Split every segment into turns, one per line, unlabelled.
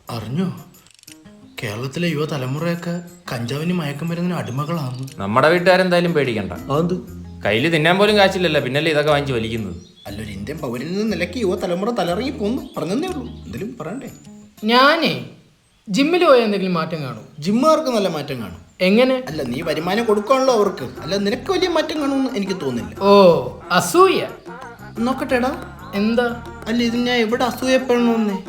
അറിഞ്ഞോ, കേരളത്തിലെ യുവതലമുറയൊക്കെ കഞ്ചാവിന് മയക്കുമരുന്നിന് അടിമകളാണ്.
നമ്മുടെ വീട്ടുകാരെന്തായാലും പേടിക്കണ്ട.
അത്
കയ്യിൽ തിന്നാൻ പോലും കാശില്ലല്ലോ, പിന്നല്ലേ ഇതൊക്കെ വാങ്ങിച്ച് വലിക്കുന്നത്.
അല്ലൊരു ഇന്ത്യൻ പൗരനിൽ നിന്ന് നിലയ്ക്ക് യുവതലമുറ തലറങ്ങി പോന്നു പറഞ്ഞതേ ഉള്ളൂ. എന്തെങ്കിലും പറയണ്ടേ?
ഞാനേ ജിമ്മിൽ പോയ എന്തെങ്കിലും മാറ്റം കാണും?
ജിമ്മുകാർക്ക് നല്ല മാറ്റം കാണും.
എങ്ങനെ?
അല്ല, നീ വരുമാനം കൊടുക്കാണല്ലോ അവർക്ക്, അല്ല നിനക്ക് വലിയ മാറ്റം കാണുമെന്ന് എനിക്ക് തോന്നുന്നില്ല.
ഓ, അസൂയ.
നോക്കട്ടെടാ.
എന്താ?
അല്ല, ഇത് ഞാൻ എവിടെ അസൂയപ്പെടണമെന്നേ?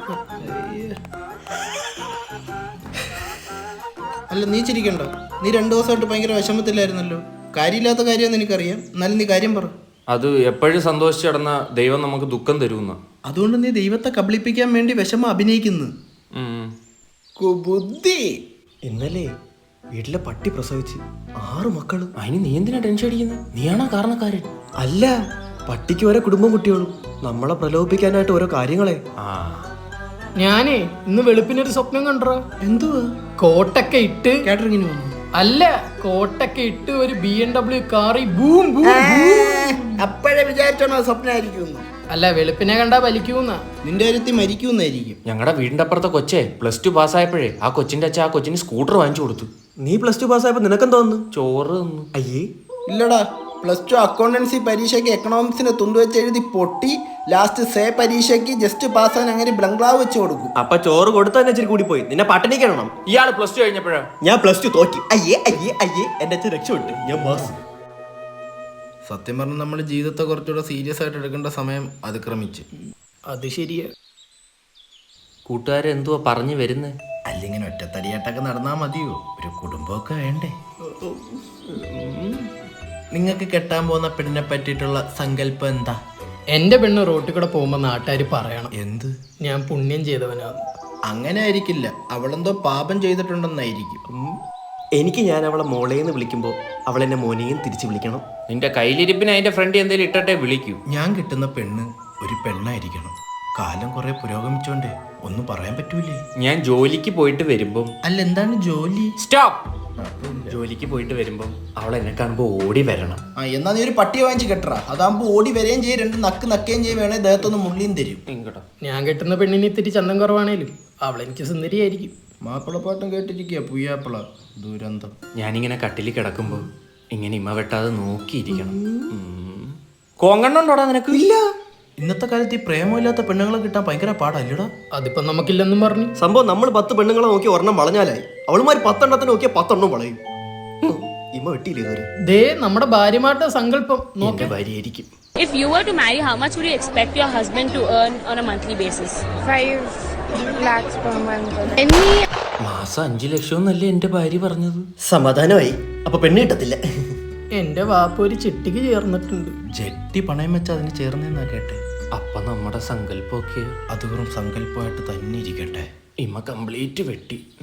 അല്ല, നീ ചിരിക്കണ്ട. നീ 2 ദിവസമായിട്ട് ഭയങ്കര വിഷമത്തിലായിരുന്നല്ലോ. കാര്യമില്ലാത്ത കാര്യമെന്ന് എനിക്കറിയാം, എന്നാലും നീ കാര്യം പറ.
അത് എപ്പോഴും സന്തോഷിച്ച് കിടന്ന ദൈവം നമുക്ക് ദുഃഖം തരുമെന്ന.
അതുകൊണ്ട് നീ ദൈവത്തെ കബളിപ്പിക്കാൻ വേണ്ടി വിഷമം അഭിനയിക്കുന്നു. ബുദ്ധി.
ഇന്നലെ വീട്ടിലെ പട്ടി പ്രസവിച്ച് 6 മക്കള്.
അതിന് നീ എന്തിനാ ടെൻഷൻ അടിക്കുന്നത്? നീയാണോ കാരണക്കാരൻ?
അല്ല, പട്ടിക്ക് ഓരോ കുടുംബം കുട്ടികളും. നമ്മളെ പ്രലോഭിപ്പിക്കാനായിട്ട് ഓരോ കാര്യങ്ങളെ.
ഞാനേ ഇന്ന് വെളുപ്പിനൊരു സ്വപ്നം കണ്ടോ.
എന്തുവാ?
കോട്ടൊക്കെ ഇട്ട്
കാറ്ററിങ്ങിന് വന്നു.
അല്ല, കോട്ടൊക്കെ ഇട്ട് ഒരു BMW കാറി ബൂം ബൂം.
അപ്പോഴേ വിചാരിച്ചോണോ സ്വപ്നമായിരിക്കും?
അല്ല, വെളുപ്പിനെ കണ്ടാ വലിക്കൂന്ന.
നിന്റെ കാര്യത്തിൽ മരിക്കുന്നായിരിക്കും.
ഞങ്ങളുടെ വീടിന്റെ അപ്പുറത്തെ കൊച്ചേ +2 പാസ്സായപ്പോഴേ ആ കൊച്ചിന്റെ അച്ഛൻ ആ കൊച്ചിന് സ്കൂട്ടർ വാങ്ങിച്ചു കൊടുത്തു.
നീ +2 പാസ്സായപ്പോ നിനക്കെന്താ തോന്നുന്നു?
ചോറ് തന്നു.
അയ്യേ,
ഇല്ലടാ, +2 അക്കൗണ്ടൻസി പരീക്ഷയ്ക്ക് എക്കണോമിക്സിന് തുണ്ടുവെച്ച് എഴുതി പൊട്ടി. ലാസ്റ്റ് സേ പരീക്ഷയ്ക്ക് ജസ്റ്റ് പാസ്സാൻ അങ്ങനെ ബ്ലംഗ്ലാവ് വെച്ച് കൊടുക്കും.
അപ്പൊ ചോറ് കൊടുത്താൽ ഇച്ചിരി കൂടി പോയി. നിന്നെ പട്ടിണി കിടണം.
ഇയാള് +2 കഴിഞ്ഞപ്പോഴാ
ഞാൻ +2 തോറ്റി. അയ്യേ അയ്യേ അയ്യേ, എന്റെ അച്ഛൻ രക്ഷപ്പെട്ടു. ഞാൻ പാസ്.
സത്യം പറഞ്ഞാൽ നമ്മുടെ ജീവിതത്തെ കുറച്ചുകൂടെ സീരിയസ് ആയിട്ട് എടുക്കേണ്ട സമയം അതിക്രമിച്ച്.
അത് ശരിയാ.
കൂട്ടുകാരെന്തുവാ പറഞ്ഞു വരുന്നേ?
അല്ലെങ്കിൽ ഒറ്റത്തടിയായിട്ടൊക്കെ നടന്നാൽ മതിയോ? ഒരു കുടുംബമൊക്കെ വേണ്ടേ? നിങ്ങൾക്ക് കെട്ടാൻ പോകുന്ന പെണ്ണിനെ പറ്റിയിട്ടുള്ള സങ്കല്പം എന്താ?
എന്റെ പെണ്ണ് റോട്ടിൽ കൂടെ പോകുമ്പോ നാട്ടുകാർ പറയണം
എന്ത്?
ഞാൻ പുണ്യം ചെയ്തവനാണ്.
അങ്ങനെ ആയിരിക്കില്ല, അവളെന്തോ പാപം ചെയ്തിട്ടുണ്ടെന്നായിരിക്കും.
എനിക്ക് ഞാൻ അവളെ മോളേന്ന് വിളിക്കുമ്പോൾ അവൾ എന്നെ മോനെയും തിരിച്ചു വിളിക്കണം.
നിന്റെ കയ്യിലിരിപ്പിന് അതിന്റെ ഫ്രണ്ട് എന്തേലും ഇട്ടട്ടെ വിളിക്കൂ.
ഞാൻ കിട്ടുന്ന പെണ്ണ് ഒരു പെണ്ണായിരിക്കണം. കാലം കുറെ പുരോഗമിച്ചോണ്ടേ ഒന്നും പറയാൻ പറ്റൂലേ.
ഞാൻ ജോലിക്ക് പോയിട്ട് വരുമ്പം.
അല്ല, എന്താണ് ജോലി?
സ്റ്റോപ്പ്. ജോലിക്ക് പോയിട്ട് വരുമ്പം അവൾ എന്നെ കാണുമ്പോ ഓടി വരണം.
എന്നാ നീ ഒരു പട്ടിയെ വാങ്ങിച്ച് കെട്ടറാ. അതാകുമ്പോ ഓടി വരെയും ചെയ്യും, 2 നക്ക് നക്കുകയും ചെയ്യും, വേണേ ദേഹത്തൊന്ന് മുള്ളിയും തരും.
ഞാൻ കെട്ടുന്ന പെണ്ണിന് ഇത്തിരി ചന്തം കുറവാണേലും അവളെനിക്ക് സുന്ദരിയായിരിക്കും.
മാപ്പിളപ്പാട്ടും കേട്ടിരിക്കുക, പുയ്യാപ്പിള ദുരന്തം.
ഞാനിങ്ങനെ കട്ടിൽ കിടക്കുമ്പോ ഇങ്ങനെ ഇമ്മ വെട്ടാതെ നോക്കിയിരിക്കണം. കോങ്കണ്ണുണ്ടോടാ നിനക്ക്?
ഇല്ല. ഇന്നത്തെ കാലത്ത് ഈ പ്രേമമില്ലാത്ത പെണ്ണുങ്ങളെ കിട്ടാൻ ഭയങ്കര പാടല്ലടാ.
അതിപ്പോ നമുക്കില്ലെന്നും പറഞ്ഞു.
സംഭവം നമ്മൾ 10 പെണ്ണുങ്ങളെ നോക്കി ഒരെണ്ണം വളഞ്ഞാലായി. അവളുമാർ 10 എണ്ണത്തിന് നോക്കിയാൽ 10 എണ്ണം വളയും. ഇമ്മ വെട്ടിയില്ലേ ഇതുവരെ?
ദേ നമ്മുടെ ഭാര്യമാരുടെ സങ്കല്പം
എന്റെ ഭാര്യയായിരിക്കും.
If you were to marry, how much would you expect your husband to earn on a monthly basis?
5 lakhs per month.
മാസം 5 ലക്ഷം എന്നല്ലേ എന്റെ ഭാര്യ പറഞ്ഞത്?
സമാധാനമായി. അപ്പൊ പെണ്ണ് കിട്ടത്തില്ല.
എന്റെ വാപ്പ ഒരു ചിട്ടിക്ക് ചേർന്നിട്ടുണ്ട്.
ജെട്ടി പണയം വെച്ച് അതിന് ചേർന്നെന്നാ കേട്ടെ.
അപ്പൊ നമ്മുടെ സങ്കല്പമൊക്കെ
അത് വെറും സങ്കല്പമായിട്ട് തന്നെ ഇരിക്കട്ടെ.
ഇമ്മ കംപ്ലീറ്റ് വെട്ടി.